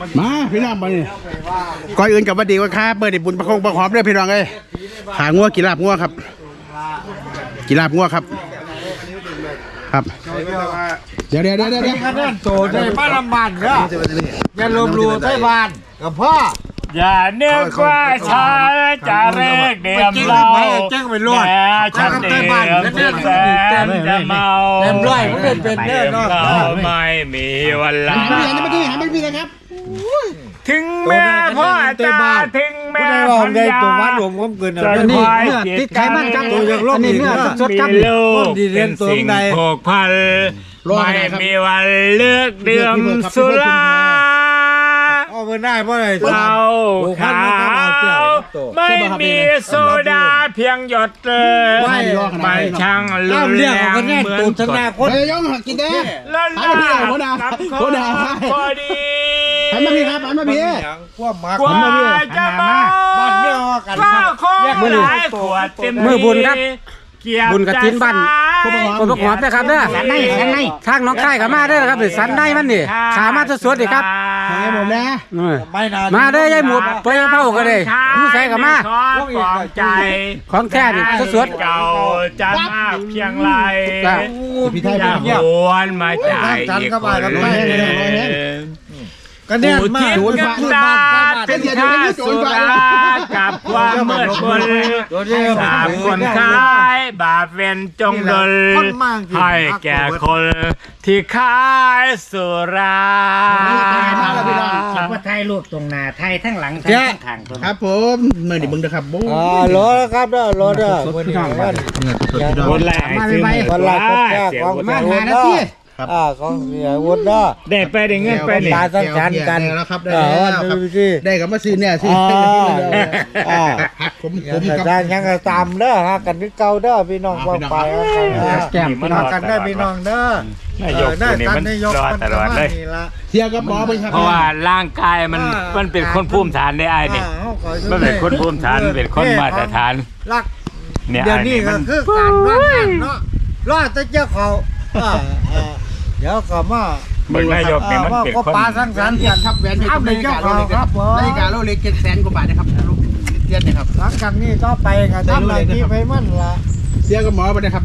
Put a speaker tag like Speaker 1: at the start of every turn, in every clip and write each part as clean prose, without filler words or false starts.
Speaker 1: มาพี่น้องมานี่ก่อนอื่นกับวันดีว่าค้าเปิดบุญประคงประหอมด้วยพี่น้องเอ้ยขางัวกีฬาบงัวครับกีฬาบงัวครับครับเดี๋ยว
Speaker 2: โตได้บ้านลำบากเนาะอย่าลมรูใต้บ้านกับพ่อ
Speaker 3: อย่าเนึกว่าฉันจะเรียกเดียมเราแต่ฉันเดียมแสนจะเมา
Speaker 2: เต็มร้อยมันเป็นแน่นอน
Speaker 3: เราไม่มีวันลาถึงแม่พ่อจะถึงแม่พันยา
Speaker 2: อันนี้เนื้อติดไขมันครับอันนี้เนื้อสดครับ
Speaker 3: เป็นสิ่งผูกพันไม่มีวันเลือกดื่มสุราเราขาวไม่มีโซดาเพียงหยดไม่ช่างลืมเรื่องเหมือนกด
Speaker 1: เฮ้ยย่องหักกินได้
Speaker 3: แล้วหน้าโคดาพอดี
Speaker 1: หันมาพี่ครับหันมาพี่
Speaker 3: กว่าจะมาบ้านเนื้อกันมือหลายขวดเต็มมือบุญครับ
Speaker 2: บุญกระถินบ้านคนประกอบนะครับเนี่ยสันในทางน้องค่ายกับมาได้ครับหรือสันในมันนี่ขามาสดๆดิครับ
Speaker 1: ผมนะ
Speaker 2: มาได้ยายหมูไปเผากันเลยผู้ใส่กับมา
Speaker 3: ใจ
Speaker 2: ของแท้ดิสด
Speaker 3: เก่าจะมากเพียงไรจะหวนมาใจอีกคน
Speaker 2: ก็เนี่ยมา
Speaker 3: ดูดตาเป็นข้าสุรากับความมืดมนสามคนขายบาปเวรจงดลให้แก่คนที่ขายสุรา
Speaker 4: คิดว่าไทยรูปตรงหน้าไทยทั้งหลังไทยทั้งข้างตรง
Speaker 1: ครับผมเมื่อนี่มึงนะครับบู๊
Speaker 2: รอแล้วครับรอเด้อ
Speaker 3: คนแรกซื้อ
Speaker 2: คนแรกของมาหานาทีของเสียวุฒิ
Speaker 3: ได้ไปได้เงินไปเนี่ย
Speaker 2: ตาสั้นกัน
Speaker 1: แล้วครับได้กับมาซื้อเนี่ยสิผม
Speaker 2: การยังตามเด้อฮะกันที่เก่าเด้อพี่น้องฟังไปแก้มพี่น้องกันได้พี่น้องเด้อน
Speaker 3: ายกนี่มันรอตลอดเลย
Speaker 1: เที่ยวกับหมอไปครับ
Speaker 3: เพราะว่าร่างกายมันเป็นคนภูมิฐานได้ไอ้นี่มันเป็นคนภูมิฐานเป็นคนมาตรฐาน
Speaker 2: เนี่ยเดี๋ยวนี้ก็คือการว่างเนาะรอดแต่เจ้าเขาเดี๋ยวก็มา
Speaker 3: เมืองนายกเนี่ยมันเป็นคน
Speaker 2: ปลาสังสรรค์
Speaker 1: ครับแหวนเพชรในกาโลเล็กครับในกาโลเล็ก700,000 กว่าบาทนะครับเดือนนะครับ
Speaker 2: หลังจากนี้ก็ไปกันทำอะไรที่ไปมั่นละ
Speaker 1: เสียกับหมอไปนะครับ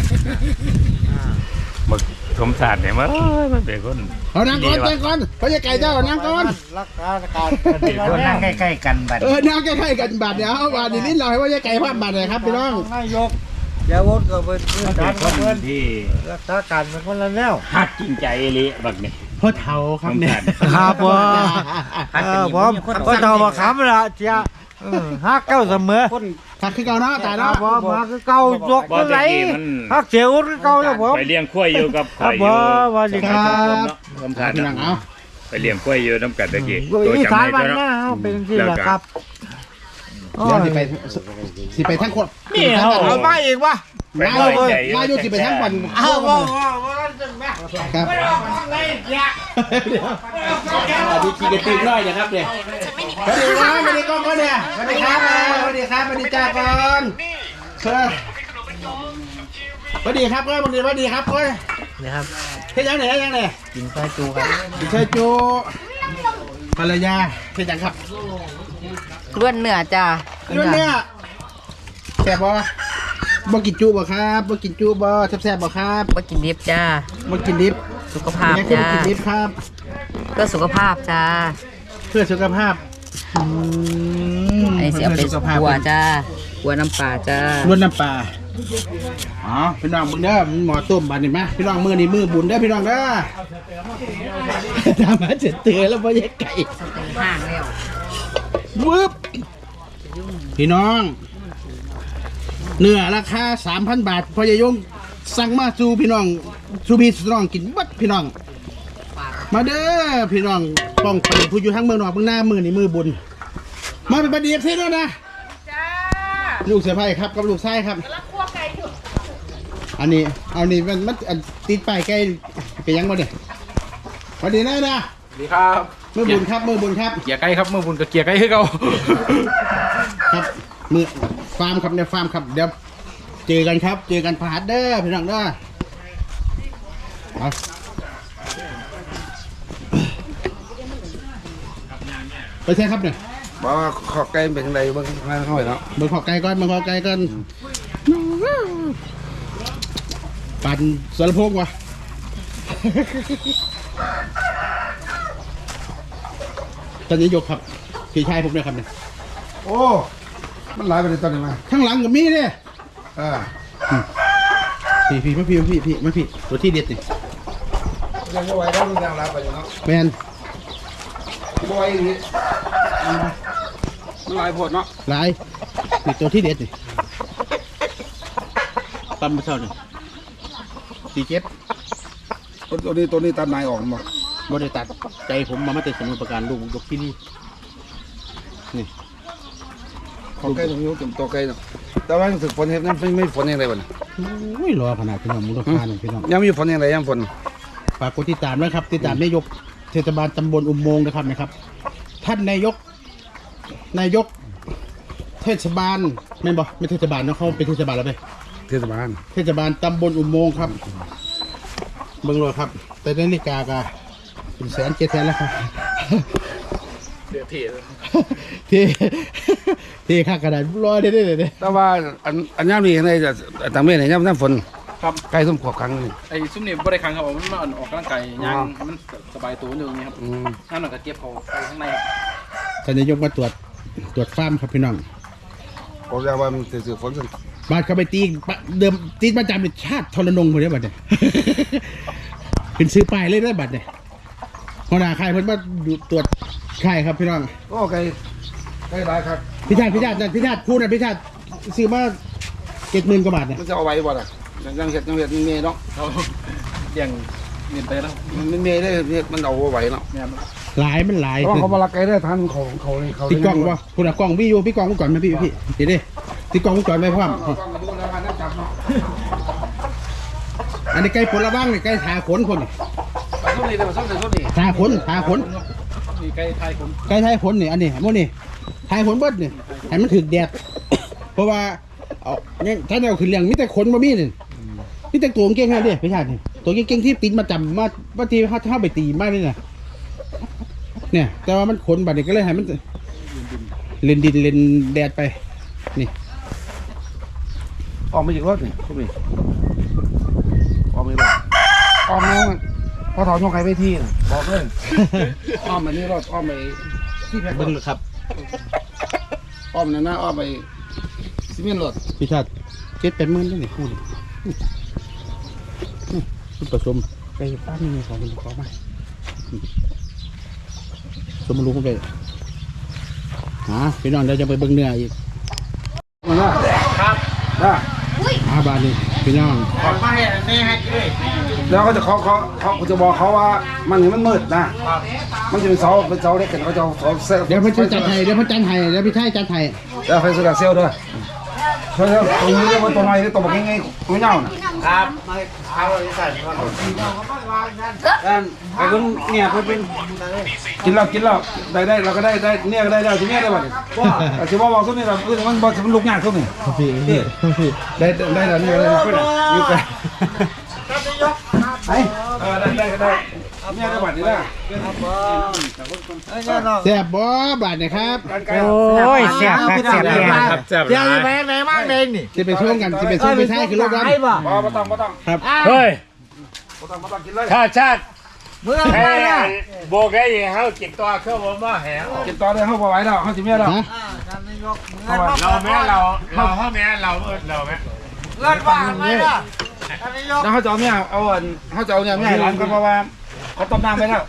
Speaker 3: มึกสมศาสตร์เนี่ยมันเป็นคน
Speaker 1: เอานั่งก่อนเขาจะไก่เจ้านั่งก่อน
Speaker 2: รักษาการ
Speaker 4: นั่งใกล้ๆกันบัด
Speaker 1: นั่งใกล้ๆกันบัดเดี๋ยวบาดนี้เราให้ว่าจะไก่ภาพบัดเลยครับพี่น้อง
Speaker 2: นายกเดี๋ยววนก็เป็น
Speaker 3: คนที่
Speaker 2: รักษาการเป็นคนละแนว
Speaker 3: หักจริงใจเลยบักนี่
Speaker 1: พ่อเฒ่าครับเนี่ย
Speaker 2: ครับผมพ่อเฒ่ามาขำละเจ้าฮักเก้าเสมอ
Speaker 1: ฮักคือเก่าเนาะแต่เนาะ
Speaker 2: ฮักคือเก่ายกขึ้นไหลฮักเสียวคือเก่าแล้วผม
Speaker 3: ไปเลี้ยงกล้วยอยู่กับ
Speaker 2: ข่อยอยู่วันนี้ครับ
Speaker 1: พี่น้องเอา
Speaker 3: ไปเลี้ยงกล้วยอยู่น้ำกัดตะกี้
Speaker 2: ตัวจำได้เนาะเป็นที่แหละครับ
Speaker 1: เดี๋ยวสิไปทั้งคน
Speaker 2: นี่เอามาอีกวะ
Speaker 1: มาอยู่สิไปทั้งวัน
Speaker 2: เอา
Speaker 1: ครับดีขี่กระตือน้อยนะครับเนี่ยสวัสดีครับสวัสดีก้อนเนี่ยสวัสดีครับสวัสดีครับสวัสดีจ้าก่อนสวัสดีครับก็สวัสดีครับก็
Speaker 4: นี่ครับ
Speaker 1: เฮ็ดยังไง
Speaker 4: กินไส้จูครับ
Speaker 1: กินไส้จูภรรยาเฮ็ดยังครับ
Speaker 4: ล้วนเนื้อจ้า
Speaker 1: ล้วนเนื้อแซ่บบ่กินจูบ่ครับบ่กินจูบ่แซ่บบ่ครับ
Speaker 4: บ่กินดิบจ้า
Speaker 1: บ่กินดิบ
Speaker 4: สุขภาพจ้า
Speaker 1: กินดิบครับ
Speaker 4: เพื่อสุขภาพจ้า
Speaker 1: เพื่อสุขภาพ
Speaker 4: ไอ้เสียเป็นกัวจ้ากัวน้ำปลาจ้า
Speaker 1: ล้วนน้ำปลาอ๋อพี่น้องมึงเด้อหมอต้มบานนี่มั้ยพี่น้องมือนี่มือบุญเด้อพี่น้องเด้อทำมาเจ็ดเตือแล้วบ่แยกไก่
Speaker 4: ห่างแล้ว
Speaker 1: วึบพี่น้องเนื้อราคา 3,000 บาทพอยายงสั่งมาสู่พี่น้องสู่พี่น้องกินบัดพี่น้องมาเด้อพี่น้องป้องไปผู้อยู่ทั้งเมืองนอกเมืองหน้ามือนี่มือบุญมาเป็นประเดี๋ยวเท่ด้วยนะลูกเสือไผ่ครับกับลูกไส้ครับอันนี้เอานี่มันติดป้ายใกล้ไปยังบ่เนี่ยพอดีนะ
Speaker 5: ดีครับ
Speaker 1: มือบุญครับ
Speaker 5: เกียร์ไก่ครับมือบุญกับเกียร์ไก่ให้เขา
Speaker 1: ครับมือฟาร์มครับในฟาร์มครับเดี๋ยวเจอกันครับเจอกันพาร์ทเด้อพี่น้องเด้อไปใช่ครับเนี่ย
Speaker 6: บอกว่าขอไก่เป็นยังไงบ้างข้างเข้าไปเนาะ
Speaker 1: เบิ่งขอไก่ก่อนเบิ่งขอไก่ก่อนปั่นสารพงวะตอนนี้ยกครับพี่ชายผมเนี่ยครับเนี่ย
Speaker 6: โอ้มันหลายไปเลยตอนนี้มา
Speaker 1: ข้างหลังก็มีเนี่ย พี่มาพี่ตัวที่เด็ดนี่
Speaker 6: ยังไม่ไหวแล้วมันยังหลายไปอยู่เนาะ
Speaker 1: แมน
Speaker 6: ไม่ไหวอย่างนี้มันหลายผดเนาะ
Speaker 1: หลายนี่ตัวที่เด็ดนี่ตำมาเท่านี่47
Speaker 6: ตัวนี้ตัดนายออกมา
Speaker 1: บริตัดใจผมมาแต่สมุนประการลูกยกที่นี่นี่
Speaker 6: ขอไก่ตรงนี้ตัวไก่เนาะแต่ว่าถึงฝนเห็นนั้นไม่ฝนยังไงบ้าง
Speaker 1: โอ้ยรอขนาดพี่น้องมูลค่าหนึ่งพี่น้อง
Speaker 6: ยังมีฝนยังไงยังฝน
Speaker 1: ฝากกดติดตามนะครับติดตามนายกเทศบาลตำบลอุโมงค์นะครับ ท่านนายกเทศบาลไม่เทศบาลเนาะเขาเป็นเทศบาลแล้วไป
Speaker 6: เทศบาล
Speaker 1: เทศบาลตำบลอุโมงค์ครับเบิ่งเลยครับ แต่นาฬิกากะเป็น100,000-700,000แล้วครับที่ค่ากระดาษรอได้
Speaker 6: แต่ว่าอันย่ำนี่ในต่างเมื่อไหร่ย่ำน้ำฝน
Speaker 5: ครับ
Speaker 6: ไก่ส้มขวบครั้งนึง
Speaker 5: ไอ้ซุ่มนี่บ่ได้ครั้งครับผมมันออกกำลังกายยางมันสบายตัวนึงนี่ครับนั่นหน่อยก็เก็บเขาไปข้างในครับ
Speaker 1: ท่านนายกมาตรวจฟาร์มครับพี่น้อง
Speaker 6: ผมจะว่ามันถือฝนสิ
Speaker 1: บาดเข้าไปตีเดิมตีประจำเป็นชาติทรนงคนนี้บัดเนี่ย เป็นซื้อป้ายเลยได้บัดเนี่ยหัวหน้าค่ายเพิ่นมาดูตรวจค่ายครับพี่น้อง
Speaker 6: โอ้ไก่หลายครับ
Speaker 1: พิชาติคู่นะพิชาติซื้อมา70,000 กว่าบาทเนี่ย
Speaker 6: มันจะเอาไว้บ่ล่ะยังเห็ดมันเมย์เนาะ
Speaker 5: เขาเลี้ยงเงินไปแล้ว
Speaker 6: มันเมย์ได้มันเอาไว้เนาะ
Speaker 5: เนี่ยมัน
Speaker 1: หลายมันหลาย
Speaker 6: เพราะเขามาลักไก่ได้ทันเขาเลยเขา
Speaker 1: ติดกล้องวะคุณอะกล้องพี่อยู่พี่กล้องกูก่อนไหมพี่เดี๋ยวดิติดกล้องกูก่อนไหมพ่อมอันนี้ไก่ผลละบ้างนี่ไก่ทาขนคนนี่
Speaker 6: ส้มนี่เลยส้มนี่
Speaker 1: ทาขน
Speaker 5: มีไก่ไทยผม
Speaker 1: ไก่ทาขนนี่อันนี้โมนี่ทาขนเบิดนี่ให้มันถึกแดดเพราะว่าเอาเนี่ยถ้าเราขึ้นเลี้ยงมีแต่ขนบ่มีนี่มีแต่ตัวเก่งๆนะเด้พี่ชาตินี่ตัวเก่งๆที่ติดมาจำมาบางทีเขาไปตีมาเลยนะเนี่ยแต่ว่ามันขนบัดนี้ก็เลยให้มันเล่นดินเล่นแดดไปนี่
Speaker 6: ออกมาจากรถนี่ส้มนี่ออกมาเลยออกมาพอถอนยกไก่ไปที่บอกเลยอ้อมมานี่รถอ้อมไปที่แพ็ค
Speaker 1: เบิ้งเลยครับ
Speaker 6: อ้อมนั่นนะอ้อมไปซีเมนต์รถ
Speaker 1: พี่ชาติ7-8 หมื่นได้ไหนคู่นี่คุณผสมไปป้ามีของเป็นของมาสมรู้คุณไปพี่น้องเดี๋ยวจะไปเบิ้งเนื้ออีก
Speaker 6: มันนะครับ
Speaker 1: บาทนี่พี่น้อง
Speaker 6: แล้วเขาจะเขาจะบอกเขาว่ามันเห็นมันมืดนะมันจะเป็นเสาเล็กกันเขาจะเอาเสาเซล
Speaker 1: เดี๋ยวพี่จัดไทยเดี๋ยวพี่ชายจัดไทย
Speaker 6: แล้วไฟโซดาเซลด้วยช่วยตรงนี้เรียกว่าตัวน้อยตัวแบบง่ายๆตัวเน่าน่ะ
Speaker 2: ไปเบิ่งเนี่ยเพิ่นเป็น
Speaker 6: กินแล้วได้เราก็ได้เนี่ยก็ได้แล้วทีเนี้ยได้บ่เนี่ยแต่ที่ว่าบอกส้มนี่เรามันลุกยากส้มนี่
Speaker 1: พี่ได้แล้วนี่ก็ได้อยู่กัน
Speaker 6: ไอ้ได้เนี่ยได้บัตรนี่ได้
Speaker 1: แซ่บบ่บาทนี่ครับ
Speaker 2: โอ้ยเสียบครับเสียบแน่
Speaker 3: ครับเจ็บ
Speaker 4: เดี๋ยวจะไปไหนมากเลยนี่
Speaker 1: จะไปช่วงกันจะไปช่วงพี่ชายคือรถกัน
Speaker 6: บ่ต้อง
Speaker 1: ครับ
Speaker 3: เฮ้ย
Speaker 6: กินเลย
Speaker 3: ถ้าชาติ
Speaker 4: เมื่อ
Speaker 3: แค่
Speaker 4: ไหร่
Speaker 3: โบกให้เขากินตัวเครื่องผมมาแหง
Speaker 6: กินต่อได้เขาบ่ไหวแล้วเขาสิเมียแล้ว
Speaker 1: ฮะ
Speaker 3: เราแม่เราพ่อแม่เราแม่
Speaker 4: เลิศว่าไหมล่ะท่านนายก
Speaker 6: แล้วเขาจะเอาเนี่ยเขาจะเอาเนี่ยไม่ให้ร้านก็เพราะว่าเขาต้มน้ำไปแล้ว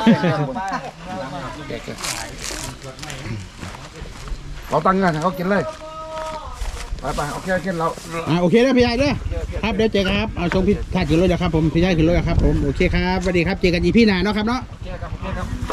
Speaker 6: เราตั้งกันเขากินเลยไปโอเคกินเรา
Speaker 1: โอเคแล้วพี่ชายเด้อครับเดี๋ยวเจอกันครับเอาส่งพี่ชายขึ้นรถนะครับผมพี่ชายขึ้นรถครับผมโอเคครับสวัสดีครับเจอกันอีพี่หน้าเนาะครับเนาะ
Speaker 6: โอเคครับ